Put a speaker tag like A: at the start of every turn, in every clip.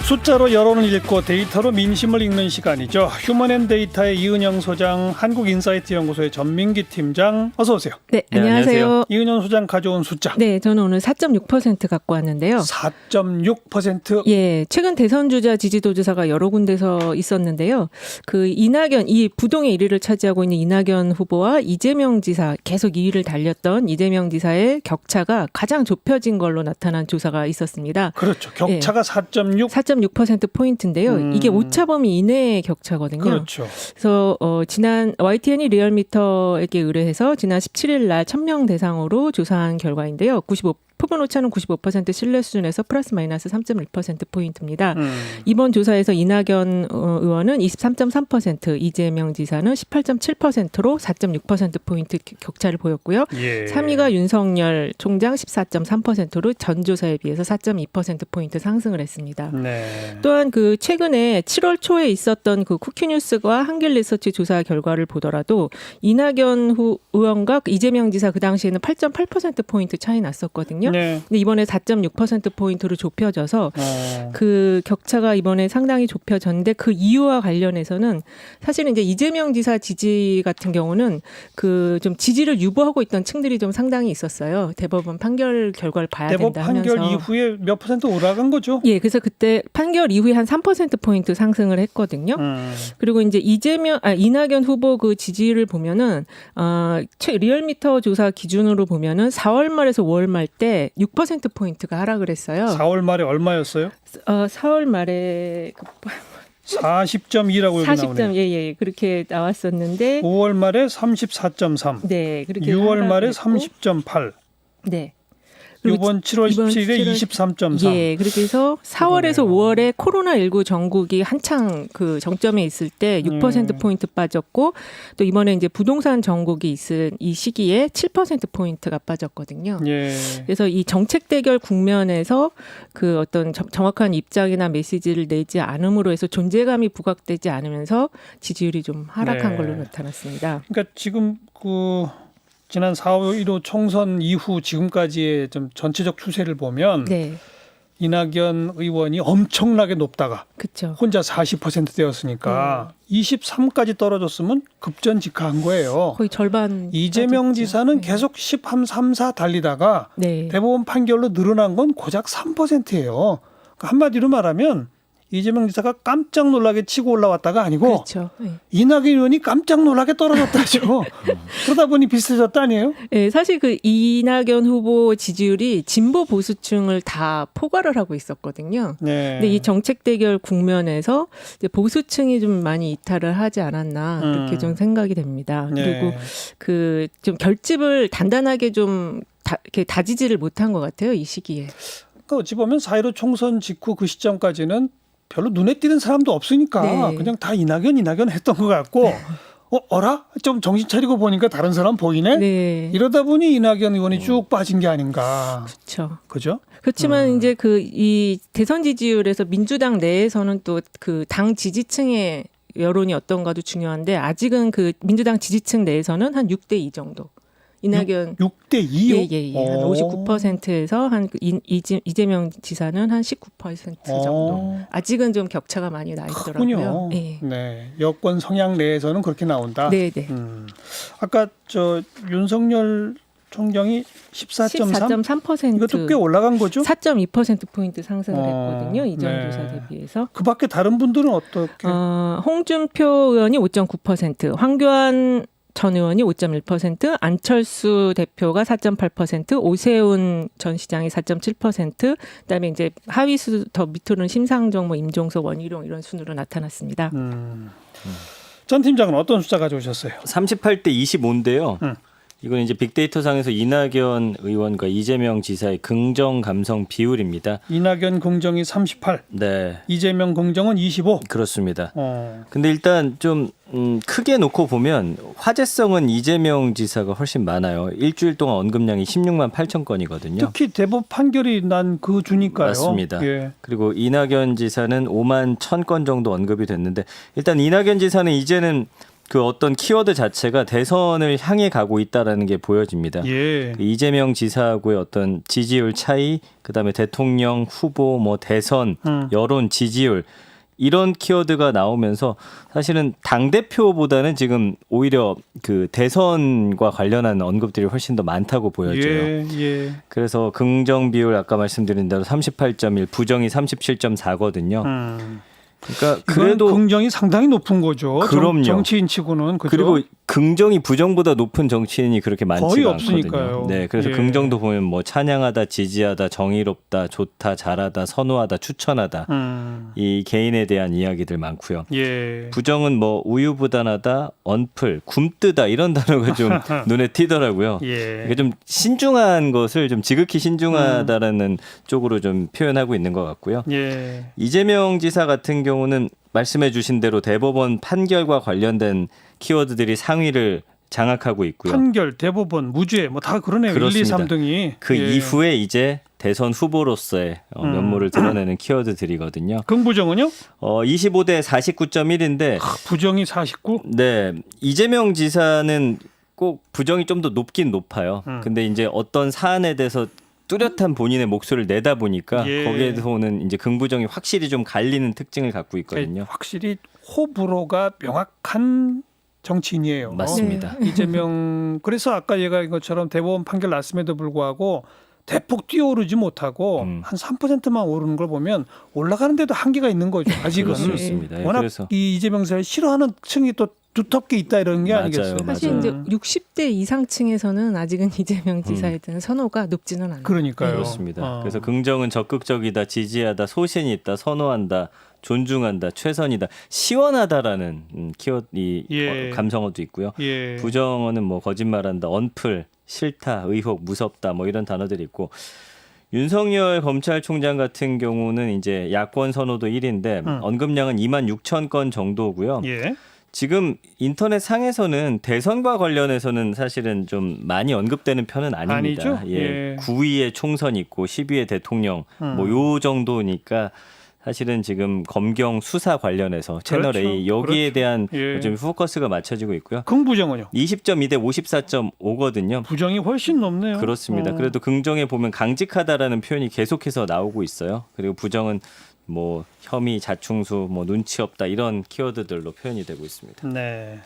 A: 숫자로 여론을 읽고 데이터로 민심을 읽는 시간이죠. 휴먼앤데이터의 이은영 소장, 한국인사이트연구소의 전민기 팀장, 어서 오세요.
B: 네, 안녕하세요.
A: 이은영 소장 가져온 숫자.
B: 네, 저는 오늘 4.6% 갖고 왔는데요.
A: 4.6%?
B: 예, 최근 대선 주자 지지도 조사가 여러 군데서 있었는데요. 그 이낙연, 이 부동의 1위를 차지하고 있는 이낙연 후보와 이재명 지사, 계속 2위를 달렸던 이재명 지사의 격차가 가장 좁혀진 걸로 나타난 조사가 있었습니다.
A: 그렇죠. 격차가
B: 예. 4.6%포인트인데요. 이게 오차범위 이내의 격차거든요.
A: 그렇죠.
B: 그래서 지난 YTN이 리얼미터에게 의뢰해서 지난 17일 날 1000명 대상으로 조사한 결과인데요. 표본 오차는 95% 신뢰 수준에서 플러스 마이너스 3.1%포인트입니다. 이번 조사에서 이낙연 의원은 23.3%, 이재명 지사는 18.7%로 4.6%포인트 격차를 보였고요.
A: 예.
B: 3위가 윤석열 총장 14.3%로 전 조사에 비해서 4.2%포인트 상승을 했습니다.
A: 네.
B: 또한 그 최근에 7월 초에 있었던 그 쿠키뉴스와 한길리서치 조사 결과를 보더라도 이낙연 의원과 이재명 지사 그 당시에는 8.8%포인트 차이 났었거든요.
A: 네.
B: 근데 이번에 4.6%포인트로 좁혀져서 그 격차가 이번에 상당히 좁혀졌는데 그 이유와 관련해서는 사실은 이제 이재명 지사 지지 같은 경우는 그 좀 지지를 유보하고 있던 층들이 좀 상당히 있었어요. 대법원 판결 결과를 봐야 된다 하면서.
A: 대법 판결 이후에 몇 퍼센트 올라간 거죠?
B: 예, 그래서 그때 판결 이후에 한 3%포인트 상승을 했거든요. 그리고 이제 이낙연 후보 그 지지를 보면은, 리얼미터 조사 기준으로 보면은 4월 말에서 5월 말 때 6%포인트가 하락을 했어요.
A: 4월 말에 얼마였어요?
B: 4월 말에
A: 40.2라고 여기
B: 40점,
A: 나오네요.
B: 예, 그렇게 나왔었는데.
A: 5월 말에 34.3.
B: 네, 그렇게.
A: 6월 말에
B: 했고.
A: 30.8.
B: 네.
A: 이번 7월 17일에 23.3.
B: 예, 그렇게 해서 4월에서 5월에 코로나19 전국이 한창 그 정점에 있을 때 6%포인트 빠졌고 또 이번에 이제 부동산 전국이 있은 이 시기에 7%포인트가 빠졌거든요.
A: 예.
B: 그래서 이 정책 대결 국면에서 그 어떤 정확한 입장이나 메시지를 내지 않음으로 해서 존재감이 부각되지 않으면서 지지율이 좀 하락한
A: 네.
B: 걸로 나타났습니다.
A: 그러니까 지금 지난 4.15 총선 이후 지금까지의 좀 전체적 추세를 보면
B: 네,
A: 이낙연 의원이 엄청나게 높다가
B: 그렇죠.
A: 혼자 40% 되었으니까 23까지 떨어졌으면 급전직하한 거예요.
B: 거의 절반.
A: 이재명
B: 빠졌죠.
A: 지사는
B: 네.
A: 계속 13, 4 달리다가
B: 네.
A: 대법원 판결로 늘어난 건 고작 3%예요. 그러니까 한마디로 말하면 이재명 지사가 깜짝 놀라게 치고 올라왔다가 아니고
B: 그렇죠. 네.
A: 이낙연 의원이 깜짝 놀라게 떨어졌다죠. 그러다 보니 비슷해졌다 아니에요?
B: 네, 사실 그 이낙연 후보 지지율이 진보 보수층을 다 포괄을 하고 있었거든요.
A: 네.
B: 근데 이 정책 대결 국면에서 이제 보수층이 좀 많이 이탈을 하지 않았나 이렇게 좀 생각이 됩니다.
A: 네.
B: 그리고 그 좀 결집을 단단하게 좀 이렇게 다지지를 못한 것 같아요, 이 시기에.
A: 그러니까 어찌 보면 4.15 총선 직후 그 시점까지는 별로 눈에 띄는 사람도 없으니까
B: 네.
A: 그냥 다 이낙연 했던 것 같고 어라? 좀 정신 차리고 보니까 다른 사람 보이네?
B: 네.
A: 이러다 보니 이낙연 의원이 쭉 빠진 게 아닌가.
B: 그렇죠.
A: 그죠?
B: 그렇지만 이제 이 대선 지지율에서 민주당 내에서는 또 그 당 지지층의 여론이 어떤가도 중요한데 아직은 그 민주당 지지층 내에서는 한 6대2 정도. 이낙연
A: 6대2요?
B: 예. 한 59%에서 한 이재명 지사는 한 19% 정도. 아직은 좀 격차가 많이 나 있더라고요.
A: 크군요.
B: 예.
A: 네. 여권 성향 내에서는 그렇게 나온다.
B: 네.
A: 아까 윤석열 총장이 14.3?
B: 14.3%.
A: 이것도 꽤 올라간 거죠?
B: 4.2%포인트 상승을 했거든요. 이전
A: 네.
B: 조사 대비해서.
A: 그 밖에 다른 분들은 어떻게?
B: 홍준표 의원이 5.9%, 황교안 전 의원이 5.1%, 안철수 대표가 4.8%, 오세훈 전 시장이 4.7%, 그다음에 이제 하위수 더 밑으로는 심상정, 임종석, 원희룡 이런 순으로 나타났습니다.
A: 전 팀장은 어떤 숫자 가져오셨어요?
C: 38대 25인데요. 이건 이제 빅데이터 상에서 이낙연 의원과 이재명 지사의 긍정 감성 비율입니다.
A: 이낙연 긍정이 38,
C: 네,
A: 이재명 긍정은 25.
C: 그렇습니다. 근데 일단 좀 크게 놓고 보면 화제성은 이재명 지사가 훨씬 많아요. 일주일 동안 언급량이 16만 8천 건이거든요.
A: 특히 대법 판결이 난 그 주니까요.
C: 맞습니다.
A: 예.
C: 그리고 이낙연 지사는 5만 1천 건 정도 언급이 됐는데 일단 이낙연 지사는 이제는 그 어떤 키워드 자체가 대선을 향해 가고 있다라는 게 보여집니다.
A: 예.
C: 그 이재명 지사하고의 어떤 지지율 차이, 그다음에 대통령 후보, 뭐 대선, 여론 지지율 이런 키워드가 나오면서 사실은 당 대표보다는 지금 오히려 그 대선과 관련한 언급들이 훨씬 더 많다고 보여져요.
A: 예.
C: 그래서 긍정 비율 아까 말씀드린 대로 38.1, 부정이 37.4거든요. 그러니까 그래도
A: 긍정이 상당히 높은 거죠.
C: 그럼요.
A: 정치인치고는 그죠?
C: 그리고 긍정이 부정보다 높은 정치인이 그렇게 많지가
A: 거의
C: 않거든요.
A: 없으니까요.
C: 네, 그래서
A: 예.
C: 긍정도 보면 뭐 찬양하다, 지지하다, 정의롭다, 좋다, 잘하다, 선호하다, 추천하다 이 개인에 대한 이야기들 많고요.
A: 예.
C: 부정은 뭐 우유부단하다, 언플, 굼뜨다 이런 단어가 좀 눈에 띄더라고요.
A: 예.
C: 이게 좀 신중한 것을 좀 지극히 신중하다라는 쪽으로 좀 표현하고 있는 것 같고요.
A: 예.
C: 이재명 지사 같은 경우는 말씀해 주신 대로 대법원 판결과 관련된 키워드들이 상위를 장악하고 있고요.
A: 판결, 대법원, 무죄 뭐 다 그러네요.
C: 그렇습니다.
A: 1, 2, 3등이.
C: 그 이후에 이제 대선 후보로서의 면모를 드러내는 키워드들이거든요.
A: 긍부정은요?
C: 25대 49.1인데
A: 부정이 49?
C: 네, 이재명 지사는 꼭 부정이 좀 더 높긴 높아요. 근데 이제 어떤 사안에 대해서 뚜렷한 본인의 목소리를 내다 보니까
A: 예.
C: 거기에서 오는 이제 긍부정이 확실히 좀 갈리는 특징을 갖고 있거든요.
A: 확실히 호불호가 명확한 정치인이에요.
C: 맞습니다.
A: 이재명 그래서 아까 얘기한 것처럼 대법원 판결 났음에도 불구하고 대폭 뛰어오르지 못하고 한 3%만 오르는 걸 보면 올라가는데도 한계가 있는 거죠. 아직은.
C: 그렇습니다. 예,
A: 워낙
C: 그래서
A: 이 이재명 지사를 싫어하는 층이 또 두텁게 있다 이런 게
C: 맞아요,
A: 아니겠어요.
B: 사실
C: 맞아요.
B: 이제 60대 이상층에서는 아직은 이재명 지사에 대한 선호가 높지는 않아요.
A: 그러니까요.
C: 그렇습니다. 그래서 긍정은 적극적이다, 지지하다, 소신이 있다, 선호한다, 존중한다, 최선이다, 시원하다라는 키워드
A: 예.
C: 감성어도 있고요.
A: 예.
C: 부정어는 뭐 거짓말한다, 언플, 싫다, 의혹, 무섭다 뭐 이런 단어들이 있고 윤석열 검찰총장 같은 경우는 이제 야권 선호도 1위인데 언급량은 2만 6천 건 정도고요.
A: 예.
C: 지금 인터넷 상에서는 대선과 관련해서는 사실은 좀 많이 언급되는 편은 아닙니다.
A: 아니죠?
C: 예.
A: 예.
C: 9위에 총선 있고 10위에 대통령 뭐 요 정도니까 사실은 지금 검경 수사 관련해서 채널
A: 그렇죠.
C: A 여기에
A: 그렇죠.
C: 대한
A: 예.
C: 좀 포커스가 맞춰지고 있고요.
A: 긍부정은요?
C: 20.2대 54.5거든요.
A: 부정이 훨씬 높네요.
C: 그렇습니다. 그래도 긍정에 보면 강직하다라는 표현이 계속해서 나오고 있어요. 그리고 부정은 뭐 혐의, 자충수, 뭐 눈치 없다 이런 키워드들로 표현이 되고 있습니다.
A: 네.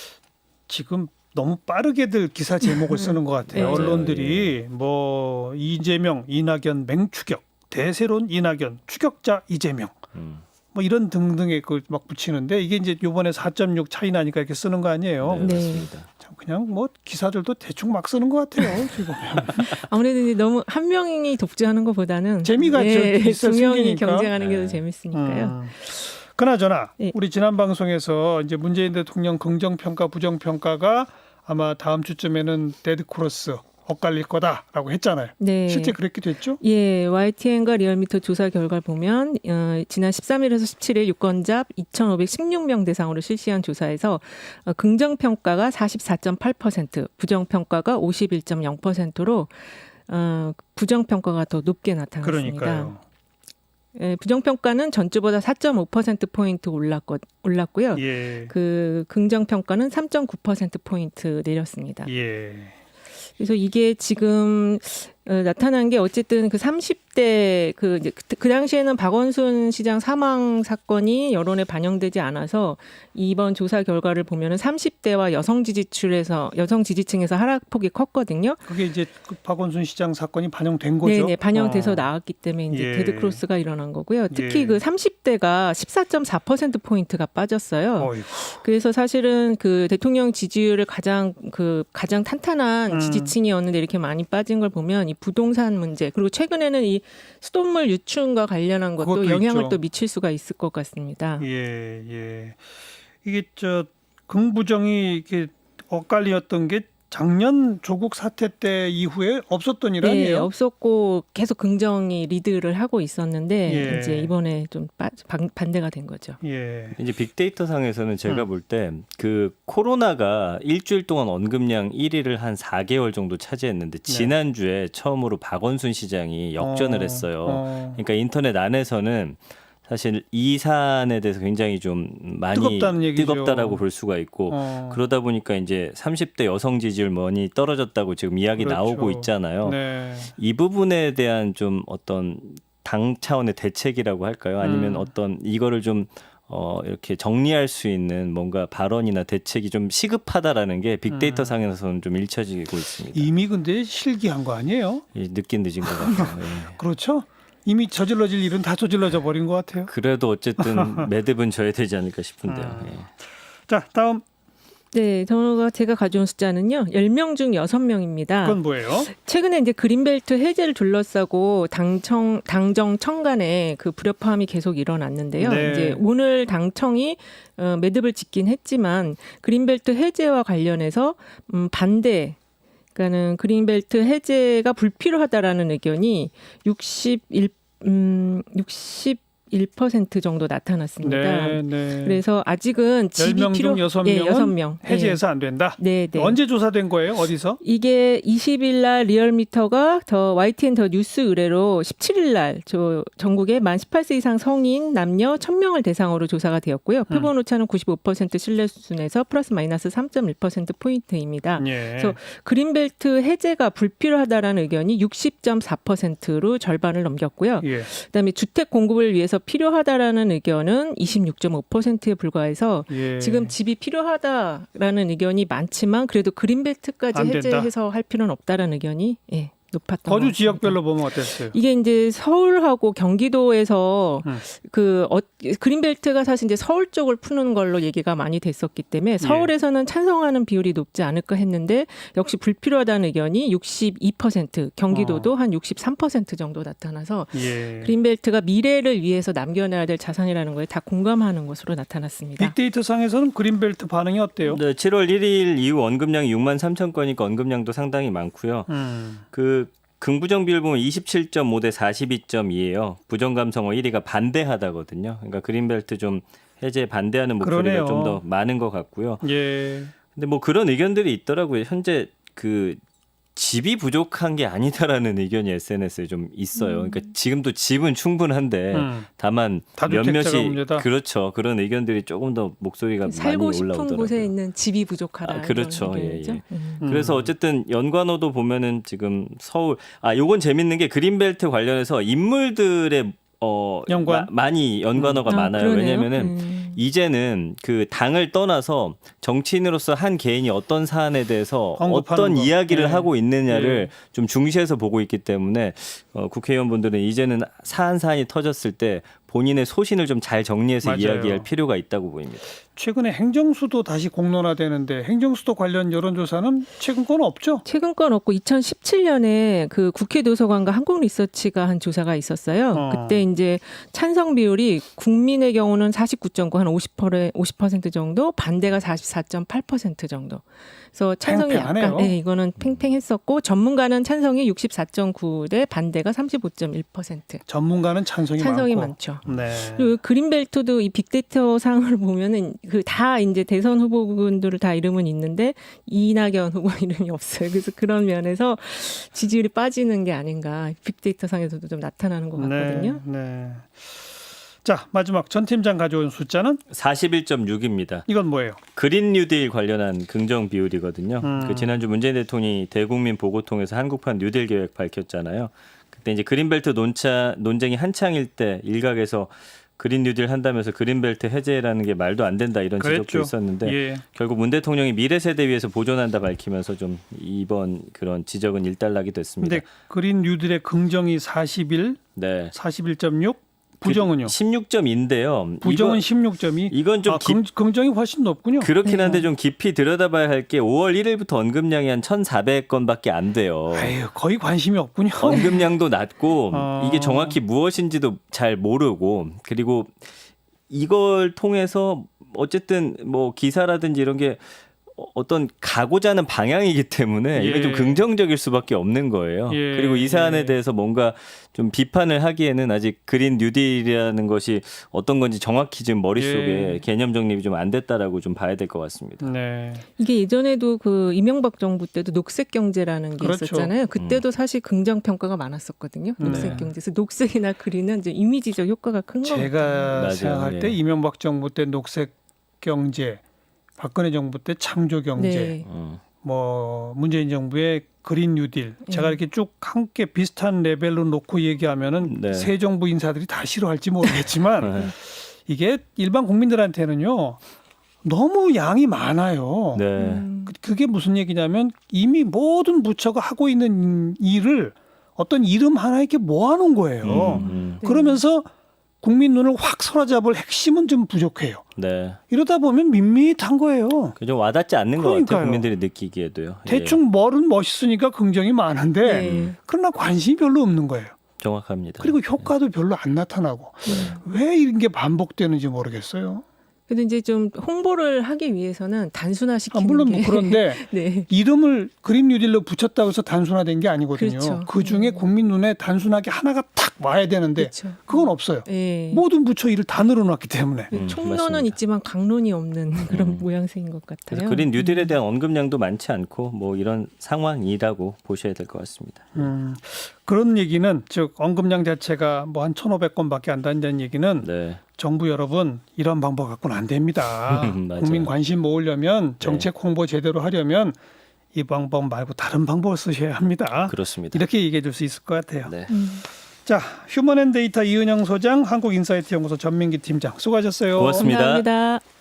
A: 지금 너무 빠르게들 기사 제목을 쓰는 것 같아요.
B: 네.
A: 언론들이 뭐 이재명, 이낙연 맹추격, 대세론 이낙연, 추격자 이재명. 뭐 이런 등등의 그 막 붙이는데 이게 이제 요번에 4.6 차이 나니까 이렇게 쓰는 거 아니에요.
C: 네,
B: 네.
C: 맞습니다.
A: 참 그냥 뭐 기사들도 대충 막 쓰는 것 같아요. 지금.
B: 아무래도 이제 너무 한 명이 독주하는 것보다는
A: 재미가 있어
B: 두 명이
A: 생기니까.
B: 경쟁하는 게 더 재밌으니까요.
A: 그나저나
B: 예.
A: 우리 지난 방송에서 이제 문재인 대통령 긍정평가 부정평가가 아마 다음 주쯤에는 데드크로스 엇갈릴 거다라고 했잖아요.
B: 네.
A: 실제 그렇게 됐죠?
B: 예, YTN과 리얼미터 조사 결과를 보면 지난 13일에서 17일 유권자 2,516명 대상으로 실시한 조사에서 긍정평가가 44.8%, 부정평가가 51.0%로 부정평가가 더 높게 나타났습니다.
A: 그러니까요.
B: 예, 부정평가는 전주보다 4.5%포인트 올랐고요.
A: 예.
B: 그 긍정평가는 3.9%포인트 내렸습니다.
A: 예.
B: 그래서 이게 지금 나타난 게 어쨌든 그 30대 그 당시에는 박원순 시장 사망 사건이 여론에 반영되지 않아서 이번 조사 결과를 보면은 30대와 여성 지지층에서 하락폭이 컸거든요.
A: 그게 이제 그 박원순 시장 사건이 반영된 거죠?
B: 네, 반영돼서 나왔기 때문에 이제
A: 예.
B: 데드크로스가 일어난 거고요. 특히
A: 예.
B: 그 30대가 14.4% 포인트가 빠졌어요.
A: 어이구.
B: 그래서 사실은 그 대통령 지지율을 가장 탄탄한 지지층이었는데 이렇게 많이 빠진 걸 보면 이 부동산 문제 그리고 최근에는 이 수돗물 유출과 관련한 것도
A: 그것도
B: 영향을
A: 있죠.
B: 또 미칠 수가 있을 것 같습니다.
A: 예. 이게 긍부정이 이렇게 엇갈리었던 게 작년 조국 사태 때 이후에 없었던 일
B: 네,
A: 아니에요?
B: 없었고 계속 긍정이 리드를 하고 있었는데
A: 예.
B: 이제 이번에 좀 반대가 된 거죠.
A: 예.
C: 이제 빅데이터 상에서는 제가 볼 때 그 코로나가 일주일 동안 언급량 1위를 한 4개월 정도 차지했는데 지난주에 처음으로 박원순 시장이 역전을 했어요. 그러니까 인터넷 안에서는 사실 이 사안에 대해서 굉장히 좀 많이
A: 뜨겁다는 얘기죠.
C: 뜨겁다라고 볼 수가 있고 그러다 보니까 이제 30대 여성 지지율 많이 떨어졌다고 지금 이야기
A: 그렇죠.
C: 나오고 있잖아요.
A: 네.
C: 이 부분에 대한 좀 어떤 당 차원의 대책이라고 할까요? 아니면 어떤 이거를 좀 이렇게 정리할 수 있는 뭔가 발언이나 대책이 좀 시급하다라는 게 빅데이터 상에서는 좀 일처지고 있습니다.
A: 이미 근데 실기한 거 아니에요?
C: 늦긴 늦은 것 같아요. 예.
A: 그렇죠? 이미 저질러질 일은 다 저질러져 버린 것 같아요.
C: 그래도 어쨌든 매듭은 져야 되지 않을까 싶은데요. 예.
A: 자, 다음
B: 네, 제가 가져온 숫자는요. 10명 중 6명입니다.
A: 그건 뭐예요?
B: 최근에 이제 그린벨트 해제를 둘러싸고 당정 청간에 그 불협화음이 계속 일어났는데요.
A: 네.
B: 이제 오늘 당청이 매듭을 짓긴 했지만 그린벨트 해제와 관련해서 반대 그러니까는 그린벨트 해제가 불필요하다라는 의견이 61% 정도 나타났습니다.
A: 네, 네.
B: 그래서 아직은 집이
A: 10명 중 6명은
B: 예, 6명.
A: 해제해서 안 된다.
B: 네, 네.
A: 언제 조사된 거예요? 어디서?
B: 이게 20일 날 리얼미터가 더 YTN 더 뉴스 의뢰로 17일 날 전국에 만 18세 이상 성인 남녀 1,000명을 대상으로 조사가 되었고요. 표본 오차는 95% 신뢰 수준에서 플러스 마이너스 3.1% 포인트입니다.
A: 예.
B: 그래서 그린벨트 해제가 불필요하다라는 의견이 60.4%로 절반을 넘겼고요.
A: 예.
B: 그다음에 주택 공급을 위해서 필요하다라는 의견은 26.5%에 불과해서
A: 예.
B: 지금 집이 필요하다라는 의견이 많지만 그래도 그린벨트까지
A: 안 된다.
B: 해제해서 할 필요는 없다라는 의견이 높았던 것
A: 거주
B: 같습니다.
A: 지역별로 보면 어땠어요?
B: 이게 이제 서울하고 경기도에서 그린벨트가 사실 이제 서울 쪽을 푸는 걸로 얘기가 많이 됐었기 때문에 서울에서는 찬성하는 비율이 높지 않을까 했는데 역시 불필요하다는 의견이 62%, 경기도도 한 63% 정도 나타나서
A: 예.
B: 그린벨트가 미래를 위해서 남겨놔야 될 자산이라는 거에 다 공감하는 것으로 나타났습니다.
A: 빅데이터 상에서는 그린벨트 반응이 어때요?
C: 네, 7월 1일 이후 언급량이 6만 3천 건이니까 언급량도 상당히 많고요. 그 긍부정 비율 보면 27.5 대 42.2예요. 부정 감성어 1위가 반대하다거든요. 그러니까 그린벨트 좀 해제 반대하는 목소리가
A: 그러네요.
C: 좀 더 많은 것 같고요.
A: 예.
C: 근데 뭐 그런 의견들이 있더라고요. 현재 그 집이 부족한 게 아니다라는 의견이 SNS에 좀 있어요. 그러니까 지금도 집은 충분한데 다만
A: 다주택자가
C: 몇몇이
A: 문제다.
C: 그렇죠. 그런 의견들이 조금 더 목소리가 많이
B: 살고 싶은
C: 올라오더라고요.
B: 곳에 있는 집이 부족하다.
C: 그렇죠.
B: 이런 의견이죠.
C: 예, 예. 그래서 어쨌든 연관어도 보면은 지금 서울 요건 재밌는 게 그린벨트 관련해서 인물들의
A: 연관?
C: 많이 연관어가 많아요.
B: 그러네요.
C: 왜냐면은 이제는 그 당을 떠나서 정치인으로서 한 개인이 어떤 사안에 대해서
A: 언급하는
C: 어떤
A: 거.
C: 이야기를
A: 예.
C: 하고 있느냐를
A: 예.
C: 좀 중시해서 보고 있기 때문에 국회의원분들은 이제는 사안이 터졌을 때 본인의 소신을 좀 잘 정리해서
A: 맞아요.
C: 이야기할 필요가 있다고 보입니다.
A: 최근에 행정수도 다시 공론화되는데 행정수도 관련 여론조사는 최근 건 없죠?
B: 최근 건 없고 2017년에 그 국회 도서관과 한국리서치가 한 조사가 있었어요. 그때 이제 찬성 비율이 국민의 경우는 49.9, 한 50% 정도, 반대가 44.8% 정도. 그래서 찬성이
A: 팽팽하네요.
B: 약간 이거는 팽팽했었고 전문가는 찬성이 64.9 대 반대가 35.1%.
A: 전문가는 찬성이
B: 많죠.
A: 네.
B: 그리고 그린벨트도 이 빅데이터 상을 보면은 그 다 이제 대선 후보군들을 다 이름은 있는데 이낙연 후보 이름이 없어요. 그래서 그런 면에서 지지율이 빠지는 게 아닌가 빅데이터 상에서도 좀 나타나는 것 같거든요.
A: 네. 네. 자, 마지막 전 팀장 가져온 숫자는
C: 41.6입니다.
A: 이건 뭐예요?
C: 그린 뉴딜 관련한 긍정 비율이거든요. 그 지난주 문재인 대통령이 대국민 보고통에서 한국판 뉴딜 계획 밝혔잖아요. 그때 이제 그린벨트 논쟁이 한창일 때 일각에서 그린 뉴딜 한다면서 그린벨트 해제라는 게 말도 안 된다 이런 지적도
A: 그랬죠.
C: 있었는데
A: 예.
C: 결국 문 대통령이 미래 세대 위해서 보존한다 밝히면서 좀 이번 그런 지적은 일단락이 됐습니다.
A: 근데 그린 뉴딜의 긍정이 41,
C: 네.
A: 41.6, 부정은요?
C: 16점인데요.
A: 부정은 16점이.
C: 이건 좀
A: 긍정이 훨씬 높군요.
C: 그렇긴 한데 좀 깊이 들여다봐야 할 게 5월 1일부터 언급량이 한 1,400건밖에 안 돼요.
A: 아유, 거의 관심이 없군요.
C: 언급량도 낮고 이게
A: 어.
C: 정확히 무엇인지도 잘 모르고 그리고 이걸 통해서 어쨌든 뭐 기사라든지 이런 게 어떤 가고자 하는 방향이기 때문에 이게 좀
A: 예.
C: 긍정적일 수밖에 없는 거예요.
A: 예.
C: 그리고 이 사안에
A: 예.
C: 대해서 뭔가 좀 비판을 하기에는 아직 그린 뉴딜이라는 것이 어떤 건지 정확히 지금 머릿속에
A: 예.
C: 개념 정립이 좀 안 됐다라고 좀 봐야 될 것 같습니다.
A: 네.
B: 이게 예전에도 그 이명박 정부 때도 녹색 경제라는 게
A: 그렇죠.
B: 있었잖아요. 그때도 사실 긍정 평가가 많았었거든요. 녹색
A: 네.
B: 경제에서 녹색이나 그린은 이제 이미지적 효과가 큰 거 같아요.
A: 제가
C: 맞아요.
A: 생각할 때
C: 예.
A: 이명박 정부 때 녹색 경제, 박근혜 정부 때 창조 경제,
B: 네.
A: 뭐 문재인 정부의 그린 뉴딜, 제가
B: 예.
A: 이렇게 쭉 함께 비슷한 레벨로 놓고 얘기하면은
C: 네.
A: 새 정부 인사들이 다 싫어할지 모르겠지만
C: 네.
A: 이게 일반 국민들한테는요 너무 양이 많아요.
C: 네.
A: 그게 무슨 얘기냐면 이미 모든 부처가 하고 있는 일을 어떤 이름 하나에 이렇게 모아놓은 거예요.
B: 네.
A: 그러면서 국민 눈을 확 사로잡을 핵심은 좀 부족해요.
C: 네.
A: 이러다 보면 밋밋한 거예요.
C: 좀 와닿지 않는 것
A: 그러니까요.
C: 같아요. 국민들이 느끼기에도요. 예.
A: 대충 뭘은 멋있으니까 긍정이 많은데
B: 네.
A: 그러나 관심이 별로 없는 거예요.
C: 정확합니다.
A: 그리고 효과도 별로 안 나타나고 왜 이런 게 반복되는지 모르겠어요.
B: 그래도 이제 좀 홍보를 하기 위해서는 단순화시키는
A: 물론
B: 게
A: 뭐 그런데
B: 네.
A: 이름을 그린 뉴딜로 붙였다고 해서 단순화된 게 아니거든요.
B: 그렇죠.
A: 그 중에 국민 눈에 단순하게 하나가 탁 와야 되는데
B: 그렇죠.
A: 그건 없어요.
B: 네.
A: 모든 부처 일을 다 늘어놨기 때문에.
B: 총론은
C: 맞습니다.
B: 있지만 강론이 없는 그런 모양새인 것 같아요.
C: 그래서 그린 뉴딜에 대한 언급량도 많지 않고 뭐 이런 상황이라고 보셔야 될 것 같습니다.
A: 그런 얘기는 즉 언급량 자체가 뭐 한 1,500건밖에 안 된다는 얘기는
C: 네.
A: 정부 여러분 이런 방법 갖고는 안 됩니다.
C: 맞아요.
A: 국민 관심 모으려면 정책 홍보 제대로 하려면 이 방법 말고 다른 방법을 쓰셔야 합니다.
C: 그렇습니다.
A: 이렇게 얘기해 줄 수 있을 것 같아요.
C: 네.
A: 자, 휴먼앤데이터 이은영 소장, 한국인사이트연구소 전민기 팀장 수고하셨어요.
C: 고맙습니다.
B: 감사합니다.